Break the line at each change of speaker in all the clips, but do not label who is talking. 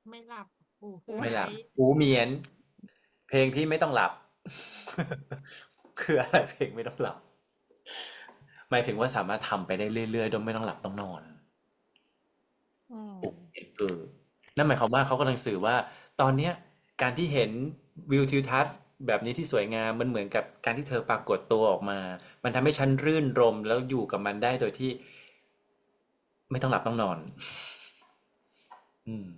ไม่หลับหูคือ
ไม่หลับ
อะไร
หูเหมียนเพลงที่ไม่ต้องหลับคืออะไรเพลงไม่ต้องหลับหมายถึงว่าสามารถทำไปได้เรื่อยๆโดยไม่ต้องหลับต้องนอน
อืม
หูเหมียนนั่นหมายความว่าเขากำลังสื่อว่าตอนเนี้ยการที่เห็นวิวทิวทัศน์แบบนี้ที่สวยงามมันเหมือนกับการที่เธอปรากฏตัวออกมามันทำให้ฉันรื่นรมแล้วอยู่กับมันได้โดยที่ไม่ต้องหลับต้องนอนอืม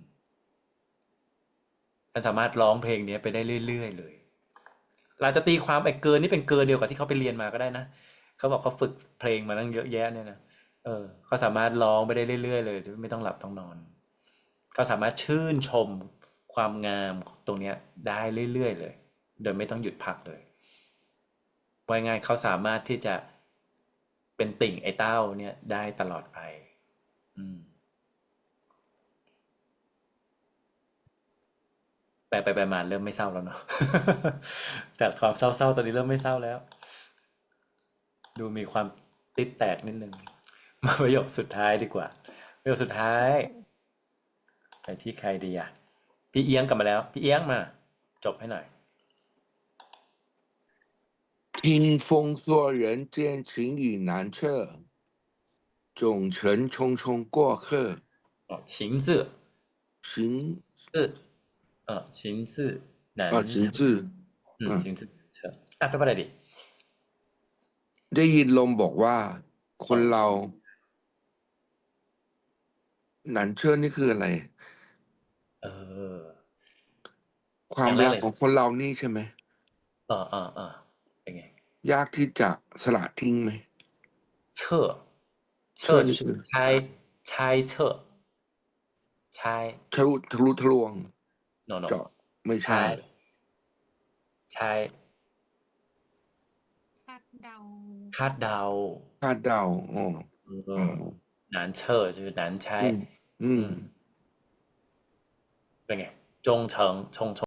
ฉันสามารถร้องเพลงนี้ไปได้เรื่อยๆเลย เราจะตีความไอ้เกินนี่เป็นเกินเดียวกับที่เขาไปเรียนมาก็ได้นะเขาบอกเขาฝึกเพลงมาตั้งเยอะแยะเนี่ยนะเขาสามารถร้องไปได้เรื่อยๆเลยโดยไม่ต้องหลับต้องนอนเขาสามารถชื่นชมความงามตรงเนี้ยได้เรื่อยๆเลยโดยไม่ต้องหยุดพักเลยว่าง่ายเขาสามารถที่จะเป็นติ่งไอ้เต้าเนี่ยได้ตลอดไปอืมไปมาเริ่มไม่เศร้าแล้วเนาะจากความเศร้าๆตอนนี้เริ่มไม่เศร้าแล้วดูมีความติดแตกนิดนึง มาประโยคสุดท้ายดีกว่าประโยคสุดท้ายไปที่ใครดีอ่ะพี่เอียงกลับมาแล้วพี่เอียงมาจบให้หน่อย
听风说人间情雨难测，总成匆匆过客。
อ๋อ情字
行
字情字难测
行字
情字难测อ่ะแปลว่าอะไรดิ
ได้ยินลมบอกว่าค
อ๋อ
นเราหนันเชื่อนี่คืออะไร
เออ
ความรัก
อย่างแรกเลย
ของคนเรานี่ใช่ไหม
เป็นไง
ยากที่จะสละทิ้งไหม
测测就是
เชื่อนี่คือ
猜测猜
ทะลุทะลวง
no no
เจาะไม่ใช่
猜猜
คาดเดา
คาดเดา
คาดเดาอ๋ออ๋อ
难测就是难
อืม
猜
อืม
嗯เป็นไงจงเฉิงชง